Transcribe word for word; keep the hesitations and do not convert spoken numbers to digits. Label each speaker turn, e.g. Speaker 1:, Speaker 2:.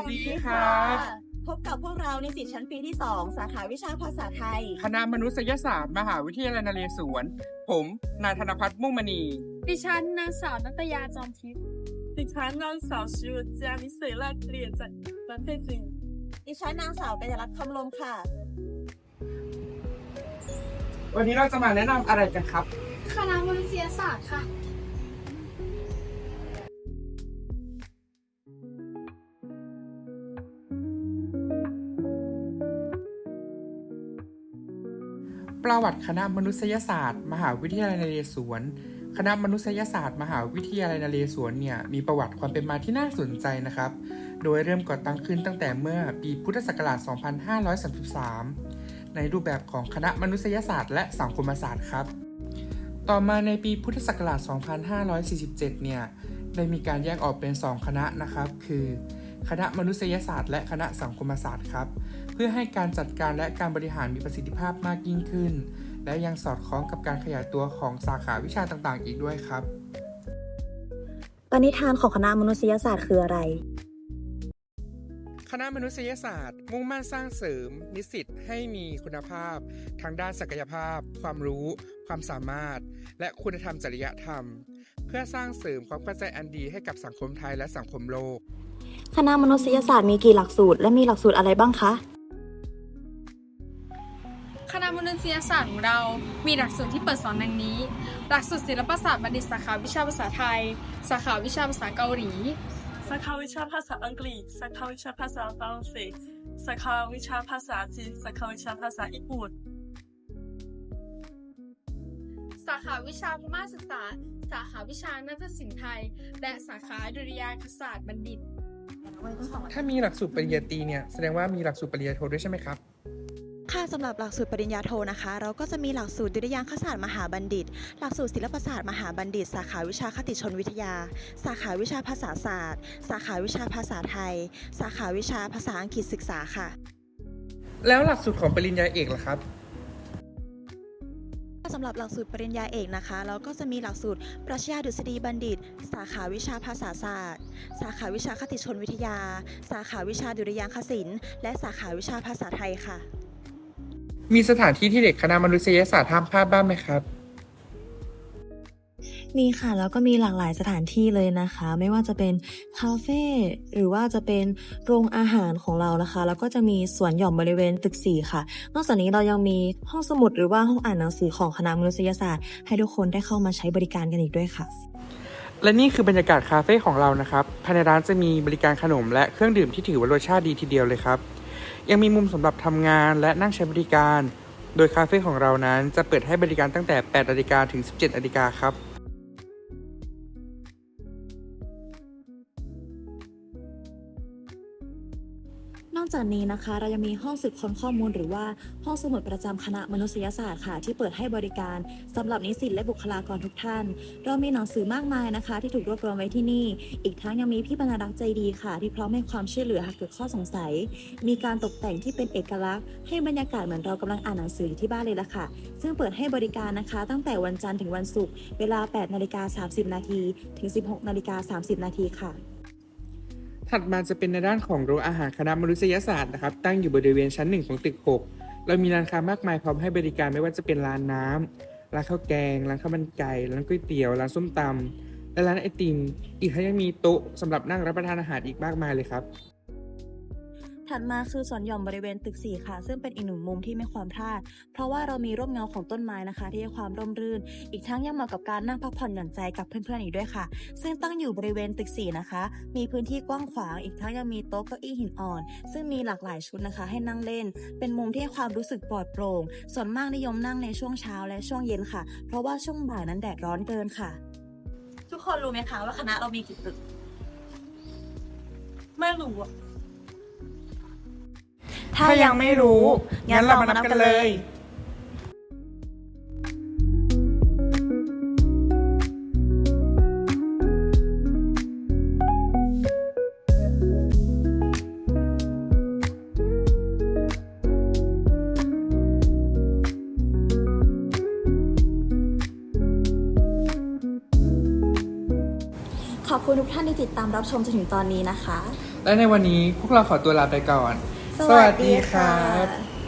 Speaker 1: ดีค่ะ
Speaker 2: พบกับพวกเรานิสิตชั้นปีที่สองสาขาวิชาภาษาไทย
Speaker 1: คณะมนุษยศาสตร์มหาวิทยาลัยนเรศวรผมนายธนพัฒน์มุ่งมณี
Speaker 3: ดิฉันนางสาวนัตยาจอมทิพย์
Speaker 4: ดิฉันนางสาวชิวจานิเสยราเรียนจากประเทศจีน
Speaker 2: ดิฉันนางสาวกัญญรัตน์คำลมค่ะ
Speaker 1: วันนี้เราจะมาแนะนำอะไรกันครับ
Speaker 3: คณะมนุษยศาสตร์ค่ะ
Speaker 1: ประวัติคณะมนุษยศาสตร์ มหาวิทยาลัยนเรศวรคณะมนุษยศาสตร์ มหาวิทยาลัยนเรศวรเนี่ยมีประวัติความเป็นมาที่น่าสนใจนะครับ โดยเริ่มก่อตั้งขึ้นตั้งแต่เมื่อปีพุทธศักราช สองพันห้าร้อยสามสิบสาม ในรูปแบบของคณะมนุษยศาสตร์และสังคมศาสตร์ครับ ต่อมาในปีพุทธศักราช สองพันห้าร้อยสี่สิบเจ็ด เนี่ยได้มีการแยกออกเป็นสองคณะนะครับ คือคณะมนุษยศาสตร์และคณะสังคมศาสตร์ครับเพื่อให้การจัดการและการบริหารมีประสิทธิภาพมากยิ่งขึ้นและยังสอดคล้องกับการขยายตัวของสาขาวิชาต่างๆอีกด้วยครับ
Speaker 2: ปณิธานของคณะมนุษยศาสตร์คืออะไร
Speaker 1: คณะมนุษยศาสตร์มุ่งมั่นสร้างเสริมนิสิตให้มีคุณภาพทางด้านศักยภาพความรู้ความสามารถและคุณธรรมจริยธรรมเพื่อสร้างเสริมความเข้าใจอันดีให้กับสังคมไทยและสังคมโลก
Speaker 2: คณะมนุษยศาสตร์มีกี่หลักสูตรและมีหลักสูตรอะไรบ้างคะ
Speaker 3: คณะมนุษยศาสตร์ของเรา มีหลักสูตรที่เปิดสอนดังนี้ หลักสูตรศิลปศาสตร์บัณฑิตสาขาวิชาภาษาไทย สาขาวิชาภาษาเกาหลี
Speaker 4: สาขาวิชาภาษาอังกฤษสาขาวิชาภาษาฝรั่งเศสสาขาวิชาภาษาจีนสาขาวิชาภาษาญี่ปุ่น
Speaker 3: สาขาวิชาพม่าศึกษา สาขาวิชานาฏศิลป์ไทย และสาขาดุริยางคศาสตร์บัณฑิต
Speaker 1: ถ้ามีหลักสูตรปริญญาตรีเนี่ยแสดงว่ามีหลักสูตรปริญญาโทด้วยใช่ไหมครับ
Speaker 5: ค่ะสำหรับหลักสูตรปริญญาโทนะคะ เราก็จะมีหลักสูตรดุริยางคศาสตร์มหาบัณฑิต หลักสูตรศิลปศาสตร์มหาบัณฑิต สาขาวิชาคติชนวิทยา สาขาวิชาภาษาศาสตร์ สาขาวิชาภาษาไทย สาขาวิชาภาษาอังกฤษศึกษาค่ะ
Speaker 1: แล้วหลักสูตรของปริญญาเอกล่ะครับ
Speaker 5: สำหรับหลักสูตรปริญญาเอกนะคะ เราก็จะมีหลักสูตรปรัชญาดุษฎีบัณฑิต สาขาวิชาภาษาศาสตร์ สาขาวิชาคติชนวิทยา สาขาวิชาดุริยางคศิลป์และสาขาวิชาภาษาไทยค่ะ
Speaker 1: มีสถานที่ที่เด็กคณะมนุษยศาสตร์ห้ามพลาดบ้างไหมครับ
Speaker 6: มีค่ะแล้วก็มีหลากหลายสถานที่เลยนะคะไม่ว่าจะเป็นคาเฟ่หรือว่าจะเป็นโรงอาหารของเรานะคะแล้วก็จะมีสวนหย่อมบริเวณตึกสี่ค่ะนอกจากนี้เรายังมีห้องสมุดหรือว่าห้องอ่านหนังสือของคณะมนุษยศาสตร์ให้ทุกคนได้เข้ามาใช้บริการกันอีกด้วยค่ะ
Speaker 1: และนี่คือบรรยากาศคาเฟ่ของเรานะครับภายในร้านจะมีบริการขนมและเครื่องดื่มที่ถือว่ารสชาติดีทีเดียวเลยครับยังมีมุมสำหรับทำงานและนั่งใช้บริการโดยคาเฟ่ของเรานั้นจะเปิดให้บริการตั้งแต่ แปดนาฬิกา ถึง สิบเจ็ดนาฬิกาครับ
Speaker 6: นอกจากนี้นะคะเรายังมีห้องสืบค้นข้อมูลหรือว่าห้องสมุดประจำคณะมนุษยศาสตร์ค่ะที่เปิดให้บริการสำหรับนิสิตและบุคลากรทุกท่านเรามีหนังสือมากมายนะคะที่ถูกรวบรวมไว้ที่นี่อีกทั้งยังมีพี่บรรณารักษ์ใจดีค่ะที่พร้อมให้ความช่วยเหลือหากเกิดข้อสงสัยมีการตกแต่งที่เป็นเอกลักษณ์ให้บรรยากาศเหมือนเรากำลังอ่านหนังสืออยู่ที่บ้านเลยล่ะค่ะซึ่งเปิดให้บริการนะคะตั้งแต่วันจันทร์ถึงวันศุกร์เวลา แปดนาฬิกาสามสิบนาทีถึง สิบหกนาฬิกาสามสิบนาทีค่ะ
Speaker 1: ถัดมาจะเป็นในด้านของโรงอาหารคณะมนุษยศาสตร์นะครับตั้งอยู่บริเวณชั้นหนึ่งของตึกหกเรามีร้านค้ามากมายพร้อมให้บริการไม่ว่าจะเป็นร้านน้ำร้านข้าวแกงร้านข้าวมันไก่ร้านก๋วยเตี๋ยวร้านส้มตำและร้านไอติมอีกทั้งยังมีโต๊ะสำหรับนั่งรับประทานอาหารอีกมากมายเลยครับ
Speaker 6: ถัดมาคือสวนหย่อมบริเวณตึกสี่ค่ะซึ่งเป็นอีกหนึ่งมุมที่ไม่ควรพลาดเพราะว่าเรามีร่มเงาของต้นไม้นะคะที่ให้ความร่มรื่นอีกทั้งยังเหมาะกับการนั่งพักผ่อนหย่อนใจกับเพื่อนๆอีกด้วยค่ะซึ่งตั้งอยู่บริเวณตึกสี่นะคะมีพื้นที่กว้างขวางอีกทั้งยังมีโต๊ะเก้าอี้หินอ่อนซึ่งมีหลากหลายชุดนะคะให้นั่งเล่นเป็นมุมที่ให้ความรู้สึกปลอดโปร่งส่วนมากนิยมนั่งในช่วงเช้าและช่วงเย็นค่ะเพราะว่าช่วงบ่ายนั้นแดดร้อนเกินค่ะ
Speaker 2: ทุกคนรู้ไหมคะว่าคณะเรามีกี่ตึก
Speaker 4: ไม่รู้อะ
Speaker 5: ถ้ายังไม่รู้งั้นเรามานับกันเลย
Speaker 6: ขอบคุณทุกท่านที่ติดตามรับชมจนถึงตอนนี้นะคะ
Speaker 1: และในวันนี้พวกเราขอตัวลาไปก่อน
Speaker 5: สวัสดีค่ะ